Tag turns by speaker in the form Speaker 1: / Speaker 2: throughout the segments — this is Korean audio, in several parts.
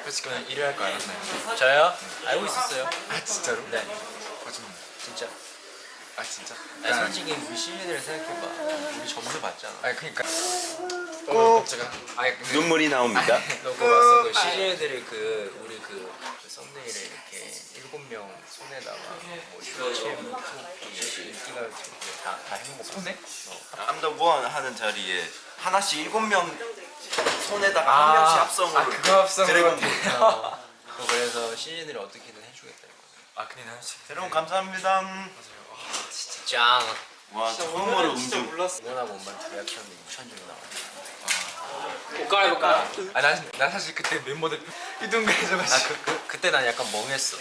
Speaker 1: 솔직히 그냥 일을 할 거 알았나요?
Speaker 2: 저요? 알고 있었어요.
Speaker 1: 아 진짜로?
Speaker 2: 네,
Speaker 1: 거짓말.
Speaker 2: 진짜.
Speaker 1: 아 진짜?
Speaker 2: 아니, 솔직히 우리 시즌을 생각해봐. 우리 점수 봤잖아.
Speaker 1: 아니 그니까 꼭 제가 아니 근데
Speaker 3: 눈물이 나옵니다.
Speaker 2: 너 그거 봤어? 그 시즌들이 우리 그 썸네일에 이렇게 7명 손에다가 뭐 슈침, 토끼, 인기가 다 해놓은 거
Speaker 1: 손에?
Speaker 3: I'm the one 하는 자리에 하나씩 7명 손에다가 한 명씩 합성으로
Speaker 1: 그거 합성으로
Speaker 3: 드래곤볼.
Speaker 2: 그래서 시즌들이 어떻게든 해주겠다 이거.
Speaker 1: 아 근데 난 솔직히
Speaker 3: 여러분 감사합니다.
Speaker 2: 진짜 짱.
Speaker 3: 와 처음으로 음주.
Speaker 2: 응원하고 온만 리액션이 무천적이 나와.
Speaker 1: 옷 갈아입을까? 아난 사실 그때 멤버들 이동해져가지고
Speaker 2: 그때 난 약간 멍했어.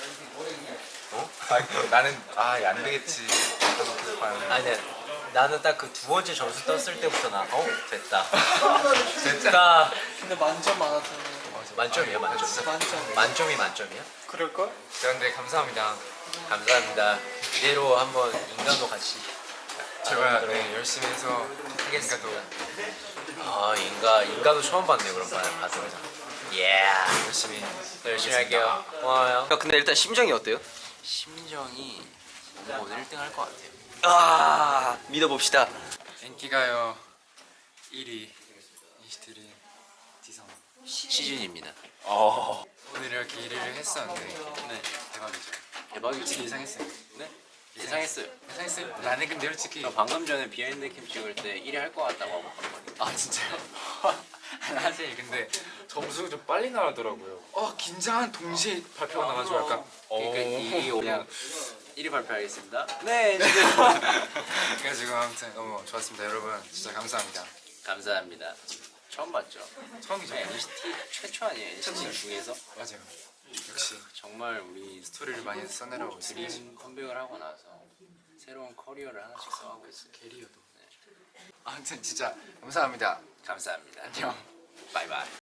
Speaker 1: 나는 안 되겠지.
Speaker 2: 아니 근데 나는 딱 그 두 번째 점수 떴을 때부터 됐다. 됐다.
Speaker 4: 근데 만점 많았잖아.
Speaker 2: 만점이야 만점.
Speaker 4: 만점.
Speaker 2: 만점이 만점이야?
Speaker 4: 그럴걸?
Speaker 1: 그런데 감사합니다.
Speaker 2: 감사합니다. 이대로 한번 인간도 같이.
Speaker 1: 제가 네, 열심히 해서
Speaker 2: 하겠습니다.
Speaker 1: 인가도
Speaker 2: 인가도 처음 봤네요. 그럼 봐서. 예.
Speaker 1: 열심히
Speaker 2: 열심히 할게요. 고마워요.
Speaker 5: 근데 일단 심정이 어때요?
Speaker 2: 심정이 오늘 1등 할 것 같아요.
Speaker 5: 아 믿어봅시다.
Speaker 1: 인기가요 1위 이시트리 디성
Speaker 2: 시즌입니다.
Speaker 1: 오늘 이렇게 일을 했었는데 네 대박이죠.
Speaker 2: 대박이지.
Speaker 1: 예상했어요.
Speaker 2: 네? 예상했어요.
Speaker 1: 예상했어요? 나는 근데 솔직히
Speaker 2: 방금 전에 비하인드 캠 찍을 때 1위 할 것 같다고 하고 갔거든요.
Speaker 1: 아 진짜요? 사실 근데 점수가 좀 빨리 나오더라고요. 긴장한 동시에 발표가 나가지고 약간
Speaker 2: 그러니까 이
Speaker 1: 그냥
Speaker 2: 1위 발표하겠습니다.
Speaker 5: 네.
Speaker 1: 그래가지고 아무튼 너무 좋았습니다 여러분. 진짜 감사합니다.
Speaker 2: 감사합니다. 처음 봤죠?
Speaker 1: 처음이죠?
Speaker 2: NCT 최초 아니에요? NCT 중에서?
Speaker 1: 맞아요. 역시
Speaker 2: 정말 우리
Speaker 1: 스토리를 많이 써내려고 있습니다.
Speaker 2: 드림 컴백을 하고 나서 새로운 커리어를 하나씩 써가고 있어요.
Speaker 1: 캐리어도. 아무튼 진짜 감사합니다.
Speaker 2: 감사합니다.
Speaker 1: 안녕.
Speaker 2: 바이바이.